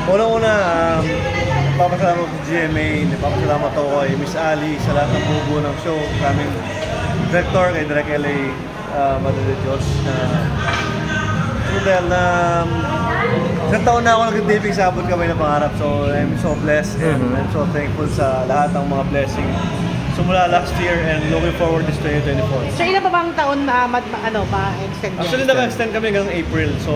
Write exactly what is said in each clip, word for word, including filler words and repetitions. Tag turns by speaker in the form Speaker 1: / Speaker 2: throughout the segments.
Speaker 1: Unang-una, um, papasalamat ko sa G M A, papasalamat ako kay Miss Ali sa lahat ng bubuo ng show. Kaming director, kay Direk L A, uh, Madre de Diyos. Uh, so dahil na um, isang taon na ako nag-taping sa abot kami na pangarap. So I'm so blessed and mm-hmm. I'm so thankful sa lahat ng mga blessing. So mula last year and looking forward this twenty twenty-four.
Speaker 2: So ilan pa bang taon na uh, ano, ma-extend yan?
Speaker 1: Actually, naka-extend kami hanggang April. So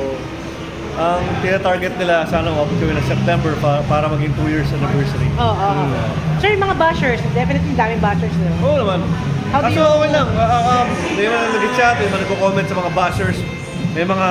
Speaker 1: ang tina-target nila, sana umabot kami ng September pa, para maging two years anniversary.
Speaker 2: Oo, oh, oo. Oh. So yung mga bashers, definitely daming bashers nila.
Speaker 1: Oo naman.
Speaker 2: How do
Speaker 1: Kaso
Speaker 2: you...
Speaker 1: okay lang. Uh, uh, may mga nag-chat, may mga nagko-comment sa mga bashers, may mga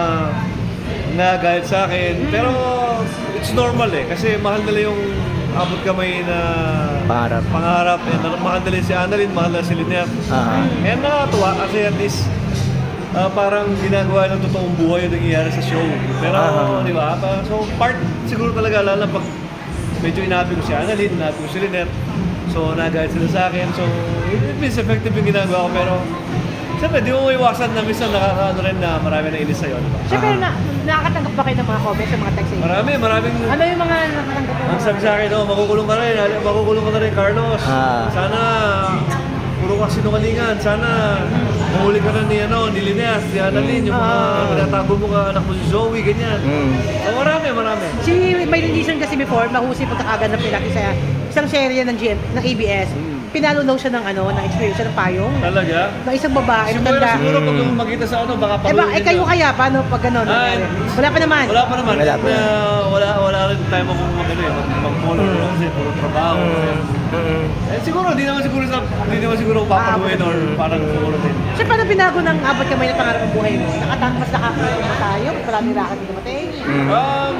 Speaker 1: nagalit sa akin. Mm. Pero it's normal eh. Kasi mahal nila yung abot kamay na
Speaker 3: pangarap.
Speaker 1: Pangarap. And mahal nila si Annalyn, mahal nila si Lynette. Uh-huh. And nakakatuwa kasi at least Uh, parang ginagawa ng totoong buhay yung nangyayari sa show. Pero, uh-huh. di ba? So, part siguro talaga, lalo pag medyo inabi ko si Annalyn, inabi ko si Lynette. So, nagahit sila sa akin. So, it means effective yung ginagawa ko. Pero, siyempre, di mo maiwasan na minsan nakakaano rin na marami na inis sa'yo. Diba?
Speaker 2: Siyempre, na, nakakatanggap ba kayo ng mga comments sa mga text sa'yo?
Speaker 1: Marami, maraming...
Speaker 2: Ano yung mga nakatanggap mo?
Speaker 1: Ang sabi sa akin, oh, makukulong ka rin, makukulong ka na rin, Carlos.
Speaker 3: Ah.
Speaker 1: Sana, puro ka sinungalingan. Sana, mahuli ka na ni, ano, ni Lineas, ni Annalyn, yung mga uh, pinatago mo ka, anak mo si Zoe, ganyan. Mm. So, marami, marami.
Speaker 2: Si may Lilison kasi before, mahusay pagkakagan ng pinaki sa isang serye ng G M, ng A B S. Mm. Pinalo daw siya ng ano, ng experience siya ng payong.
Speaker 1: Talaga?
Speaker 2: Ng isang babae.
Speaker 1: Siguro,
Speaker 2: tanda.
Speaker 1: siguro pag mm. makita sa ano, baka
Speaker 2: paluin. Eh ba, eh kayo kaya, paano pag gano'n?
Speaker 1: Ay,
Speaker 2: wala pa naman.
Speaker 1: Wala pa naman.
Speaker 3: Wala pa.
Speaker 1: Uh, wala, wala rin time akong magano eh, mag-follow mm. kasi puro trabaho. Mm. Eh siguro, di naman siguro sa, di naman siguro papaluin or parang siguro din.
Speaker 2: So, paano binago ng abot kamay na pangarap ng buhay mo? Nakatangkas na kakakita tayo? Marami rakat din namatay?
Speaker 1: Mm. Um,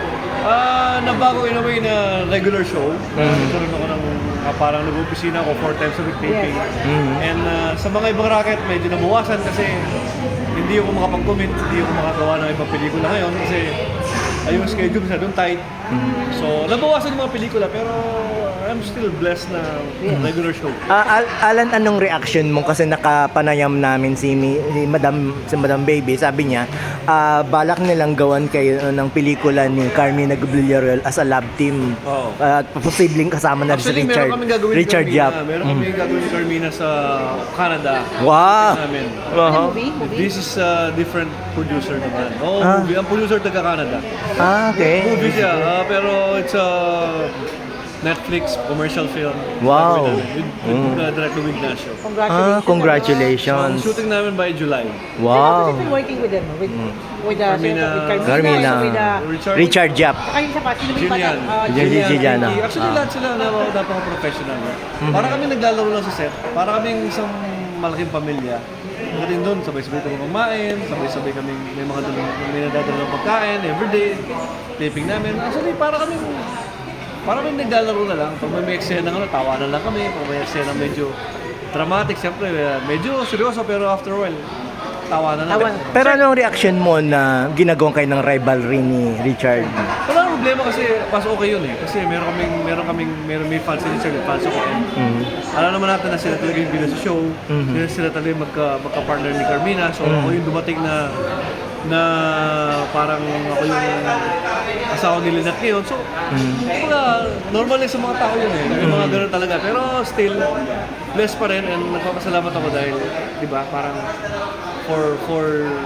Speaker 1: uh, nabago in a way na regular show. Mm. Nagkaroon ako ng uh, parang nag-opisina ako four times a week taping. Yes. Mm. And uh, sa mga ibang racket, medyo nabawasan kasi hindi ako makapag-commit, hindi ako makagawa ng ibang pelikula ngayon kasi ay yung schedule sa doon tight. Mm. So, nabawasan yung mga pelikula pero I'm still blessed na regular show.
Speaker 3: Uh, Al- Alan, anong reaction mo kasi nakapanayam namin si, mi- si Madam si Madam Baby, sabi niya, uh, balak nilang gawan kayo ng pelikula ni Carmina Villarreal as a love team.
Speaker 1: Oh.
Speaker 3: At uh, posibleng kasama na
Speaker 1: Actually,
Speaker 3: si Richard Richard Yap.
Speaker 1: Meron kami gagawin ni Carmina sa Canada.
Speaker 3: Wow.
Speaker 1: Namin.
Speaker 3: Uh-huh.
Speaker 2: Movie? Movie?
Speaker 1: This is a different producer naman. Oh,
Speaker 3: ah.
Speaker 1: movie. Ang producer taga Canada.
Speaker 3: Ah, okay.
Speaker 1: Movie siya, uh, pero it's a Netflix commercial film.
Speaker 3: Wow.
Speaker 1: With, with mm. uh, Direk Luis Ignacio.
Speaker 2: Congratulations.
Speaker 3: Ah, congratulations.
Speaker 1: So, shooting namin by July.
Speaker 3: Wow.
Speaker 2: So, working with them, with, mm. with, uh,
Speaker 1: Carmina,
Speaker 2: with
Speaker 3: Carmina,
Speaker 2: with, uh,
Speaker 1: Richard,
Speaker 3: Richard Yap.
Speaker 2: Kayo sa pa, sino ba
Speaker 1: Jillian.
Speaker 2: uh,
Speaker 3: Jillian. Jillian.
Speaker 1: Actually,
Speaker 3: Ah.
Speaker 1: lahat sila na napaka-professional. Mm-hmm. Para kami naglalaro lang sa set. Para kami isang malaking pamilya. Pagdating doon, sabay-sabay kami kumain, sabay-sabay kami may mga dalang, may nadadala ng pagkain, everyday, taping namin. Actually, para kami Parang may naglalaro na lang. Pag may eksena ng ano, tawanan lang kami. Pag may eksena medyo dramatic, siyempre, medyo seryoso, pero after a while, tawanan na lang.
Speaker 3: Pero anong reaction mo na ginagawang kayo ng rivalry ni Richard?
Speaker 1: Wala nang problema kasi mas okay yun eh. Kasi meron kaming, meron kaming, meron may fans si Richard, fans ako. Mm-hmm. Alam naman natin na sila talaga yung bida sa show. Mm-hmm. Sila, sila talaga yung magka, magka-partner ni Carmina. So mm-hmm. ako yung dumating na na parang ako yung asawa ni Lynette ngayon. So, mm. mga, normal lang sa mga tao yun eh. May mga ganun talaga. Pero still, blessed pa rin and nagpapasalamat ako dahil, di ba, parang for for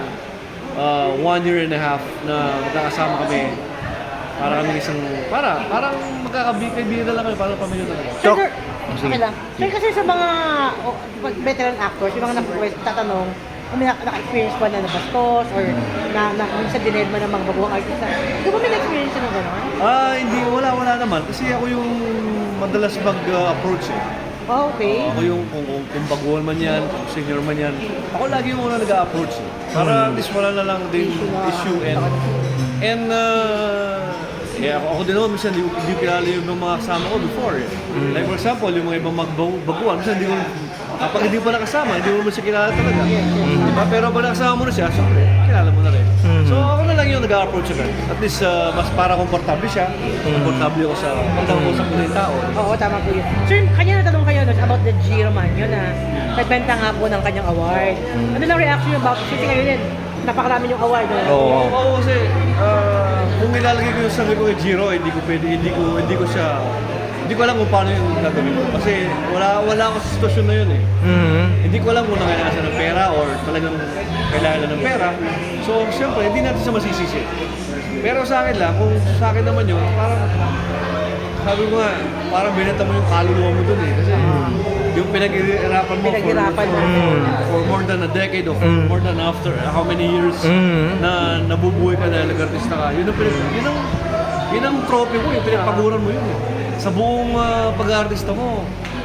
Speaker 1: uh, one year and a half na magkakasama kami. Para kami isang, para, parang magkakabigay-bigay na lang kami, parang pamilya talaga.
Speaker 2: Sir, sir, okay lang. Sir, kasi sa mga oh, veteran actors, yung mga natatanong, kung may naka-experience ba na nabastos or na, na minsan dined mo ng mga baguhang artista. Di ba may na-experience ng gano'n?
Speaker 1: Ah, hindi. Wala, wala naman. Kasi ako yung madalas mag-approach eh.
Speaker 2: Oh, okay.
Speaker 1: Uh, ako yung kung, kung, kung baguhan man yan, kung senior man yan. Ako lagi yung una nag-approach eh. Para at least wala na lang din issue and and uh, yeah, ako, ako din naman, minsan hindi, hindi kilala yung mga kasama ko before eh. Like for example, yung mga ibang magbaguhan, minsan hindi ko kapag hindi pa nakasama, hindi mo naman siya kilala talaga. Mm-hmm. Diba? Pero pag nakasama mo na siya, syempre, kilala mo na rin. Mm-hmm. So ako na lang yung nag-approach agad. At least uh, mas para komportable siya. Mm-hmm. Komportable ako sa pagkakausap ko ng tao.
Speaker 2: Oo, tama po yun. Sir, kanya natanong kayo no, about the G. Romano na nagbenta nga po ng kanyang award. Mm-hmm. Ano lang reaction about, kasi kayo din, napakarami yung award.
Speaker 1: Oo, oh, oh, kasi uh, kung nilalagay ko yung sarili ko kay Jiro, hindi ko pwede, hindi ko, hindi ko siya, hindi ko alam kung paano yung gagawin ko. Kasi wala, wala ako sa sitwasyon na yun eh.
Speaker 3: Mhm.
Speaker 1: Hindi ko alam kung nangailangan siya ng pera or talagang kailangan ng pera. So, siyempre, hindi natin siya masisisi. Pero sa akin lang, kung sa akin naman yun, parang, sabi ko nga, parang binenta mo yung kaluluwa mo dun eh. Kasi yung pinag-irapan mo for,
Speaker 2: Pinaghirapan mo.
Speaker 1: for, for more than a decade or for
Speaker 3: Mm.
Speaker 1: more than after how many years
Speaker 3: Mm.
Speaker 1: na nabubuhay ka dahil nag-artista ka. Yun ang, pinag, yun ang, yun ang trophy mo, yung pinagpaguran mo yun eh. Sa buong ah, pag-artista mo,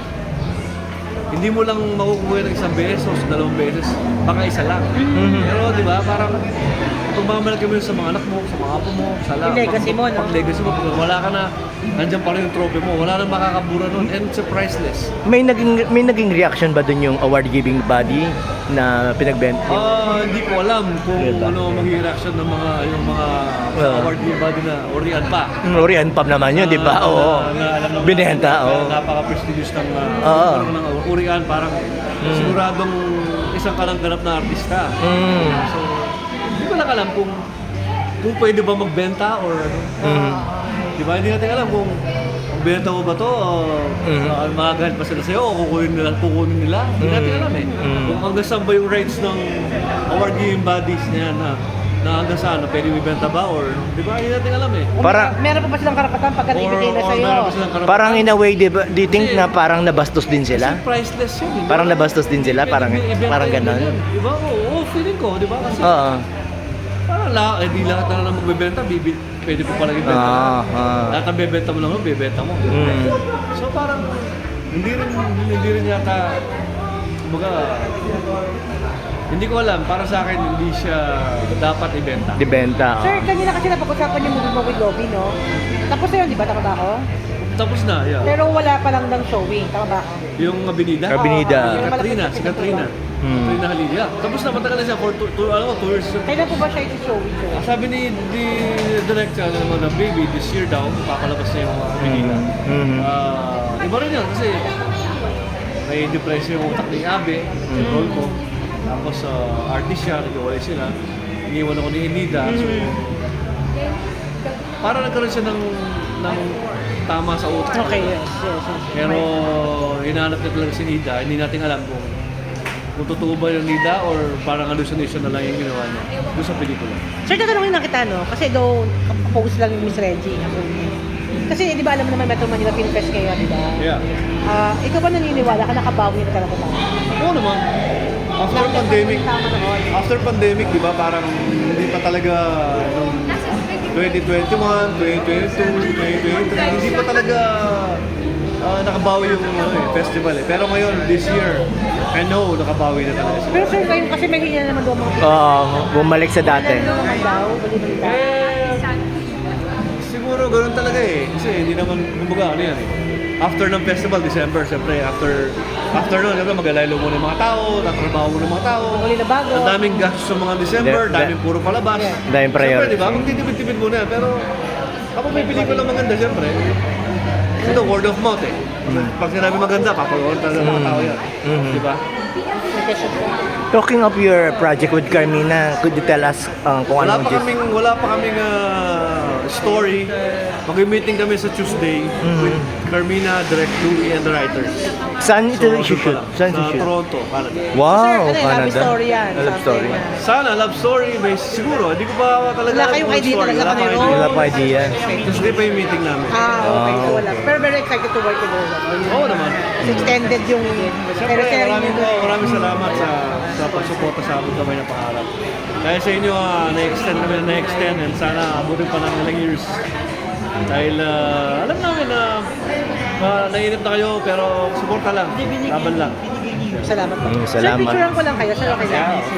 Speaker 1: hindi mo lang makukuha ng isang beses o dalawang beses, baka isa lang.
Speaker 3: Mhm.
Speaker 1: Pero di ba, parang pagmamalaki mo yun sa mga anak mo, sa mga apo mo, sa lahat.
Speaker 2: Yung legacy mo, no?
Speaker 1: Pag legacy mo, pag wala ka na, nandiyan pa rin yung trophy mo, wala nang makakabura nun, and it's a priceless.
Speaker 3: May naging may naging reaction ba dun yung award-giving body na pinagbenta?
Speaker 1: Ah, hindi ko alam kung
Speaker 3: Diba?
Speaker 1: ano magiging reaction ng mga yung mga
Speaker 3: Well.
Speaker 1: award body na orian pa.
Speaker 3: Orion Pam naman yun, di ba?
Speaker 1: Ah,
Speaker 3: Oo.
Speaker 1: na- na alam naman
Speaker 3: Binenta,
Speaker 1: natin,
Speaker 3: oo.
Speaker 1: na Napaka-prestigious ng uh,
Speaker 3: Oo.
Speaker 1: ng Urian, parang
Speaker 3: Mm.
Speaker 1: siguradong isang kalangganap na artista.
Speaker 3: Mm.
Speaker 1: So, hindi ko lang alam kung kung pwede ba magbenta or ano.
Speaker 3: Mm.
Speaker 1: Di ba? Hindi natin alam kung kung benta mo ba to o
Speaker 3: Mm.
Speaker 1: uh, magagalit pa sila sa'yo o kukunin nila, kukunin nila. Hindi natin
Speaker 3: Mm.
Speaker 1: alam eh.
Speaker 3: Mm.
Speaker 1: Kung hanggang saan ba yung rights ng award-giving bodies na yan na, na hanggang saan, na pwede ibenta ba or di ba? Hindi natin alam eh.
Speaker 3: Para-
Speaker 2: Meron pa ba silang karapatan pagka
Speaker 1: Or-
Speaker 2: ibigay na
Speaker 1: or
Speaker 2: sa'yo?
Speaker 1: meron ba silang karapatan?
Speaker 3: Parang in a way, di ba, do you think
Speaker 1: Kasi-
Speaker 3: na parang nabastos din sila?
Speaker 1: Kasi priceless yun. di ba?
Speaker 3: Parang nabastos din sila,
Speaker 1: Pwede
Speaker 3: parang
Speaker 1: ibenta
Speaker 3: parang
Speaker 1: yun
Speaker 3: ganon.
Speaker 1: yun, Di ba? Oo, oo, feeling ko, di ba? Kasi
Speaker 3: Oo.
Speaker 1: parang lahat, eh, di lahat na lang magbebenta, bibi, pwede po pala ibenta.
Speaker 3: Ah, ah.
Speaker 1: Lahat ng bebenta mo lang, bebenta mo.
Speaker 3: Mm.
Speaker 1: So parang, hindi rin, hindi rin yata, kumbaga, hindi ko alam, para sa akin, hindi siya dapat ibenta.
Speaker 3: Dibenta.
Speaker 2: Sir, kanina kasi napag-usapan yung movie mo with Lobby, no? Tapos na yun, di ba? Tama ba ako?
Speaker 1: Tapos na, yeah.
Speaker 2: Pero wala pa lang ng showing. Tama ba ako?
Speaker 1: Yung Abinida?
Speaker 3: Abinida.
Speaker 1: Si Katrina, si Katrina.
Speaker 3: Hmm.
Speaker 1: Katrina Halili. Yeah. Tapos na, matagal na siya for two, two, ano, two years.
Speaker 2: Kailan po ba siya iti-showing, sir?
Speaker 1: Sabi ni di director ano naman na baby this year daw papalabas na yung uh, Manila.
Speaker 3: Mhm.
Speaker 1: Ah, iba rin yun kasi may depression yung utak ni Abe, yung role ko. Tapos uh, artist siya, nag-away sila. Iniwan ako ni Enida. So, parang nagkaroon siya ng, ng tama sa utak.
Speaker 2: Okay, yes, yes, yes.
Speaker 1: Pero hinahanap niya talaga si Nida. Hindi natin alam kung kung totoo ba yung Nida or parang hallucination na lang yung ginawa niya doon sa pelikula.
Speaker 2: Sir, tatanungin lang kita, no? Kasi daw, post lang yung Miss Reggie. Kasi, di ba alam mo naman Metro Manila Film Fest ngayon, di ba?
Speaker 1: Yeah.
Speaker 2: Ah, ikaw ba naniniwala ka nakabawi na talaga tayo?
Speaker 1: Oo naman. After pandemic,
Speaker 2: Tama naman.
Speaker 1: after pandemic, di ba, parang hindi pa talaga nung twenty twenty-one, twenty twenty-two, twenty twenty-three, hindi pa talaga ah, nakabawi yung ano, eh, festival eh. Pero ngayon, this year, I know nakabawi na talaga siya.
Speaker 2: Pero sir, ngayon kasi may hina naman daw ang mga
Speaker 3: Oo, bumalik sa dati.
Speaker 2: Ano naman daw, bali-balita.
Speaker 1: Eh, siguro ganun talaga eh. Kasi hindi naman, kumbaga ano yan eh. After ng festival, December, siyempre, after after nun, siyempre magalaylo muna yung mga tao, tatrabaho muna yung mga tao.
Speaker 2: Uli na bago.
Speaker 1: Ang daming gastos sa mga December,
Speaker 3: Da- da-
Speaker 1: daming puro palabas.
Speaker 2: Yeah.
Speaker 3: Daming priority.
Speaker 1: Siyempre, di ba? Magtitipid-tipid muna yan. Pero kapag may pelikula maganda, siyempre, ito, word of mouth eh. Pag sinabi maganda, papagawa talaga ng mga tao yan.
Speaker 3: Mhm.
Speaker 1: Di ba?
Speaker 2: May question po.
Speaker 3: Talking of your project with Carmina, could you tell us uh, kung
Speaker 1: Wala
Speaker 3: anong
Speaker 1: pa
Speaker 3: gist?
Speaker 1: kaming, wala pa kaming ah, story. Mag-meeting kami sa Tuesday with Carmina, Direct Louie, and the writers.
Speaker 3: Saan ito
Speaker 1: So,
Speaker 3: i-shoot?
Speaker 1: doon pa lang.
Speaker 3: Saan
Speaker 1: Sa
Speaker 3: i-shoot?
Speaker 1: Toronto, Canada.
Speaker 3: Wow,
Speaker 2: Sir, ano yung
Speaker 3: Canada.
Speaker 2: love story yan?
Speaker 3: Love story.
Speaker 2: Something na-
Speaker 1: Sana, love story, may siguro. Hindi ko pa talaga
Speaker 2: Wala
Speaker 1: alam
Speaker 2: kayong
Speaker 1: kung
Speaker 2: idea
Speaker 1: story.
Speaker 2: talaga
Speaker 1: Wala
Speaker 2: kung
Speaker 1: pa
Speaker 2: ano.
Speaker 3: Wala pa idea.
Speaker 1: Tuesday pa yung meeting namin.
Speaker 2: Ah, okay. So
Speaker 3: Ah,
Speaker 2: wala. Pero very excited to work with you.
Speaker 1: Oo naman.
Speaker 2: Kasi extended yung
Speaker 1: Siyempre,
Speaker 2: sharing
Speaker 1: maraming,
Speaker 2: nyo.
Speaker 1: maraming salamat sa sa pagsuporta sa amin kamay na pangarap. Dahil sa inyo, ah, na-extend kami na na-extend and sana abutin pa ng ilang years. Dahil ah, alam namin na uh, nainip na kayo pero suporta lang, laban lang.
Speaker 2: Salamat po.
Speaker 3: Mm,
Speaker 2: Sir,
Speaker 3: salamat.
Speaker 2: picturean ko lang kayo. Sir, okay lang.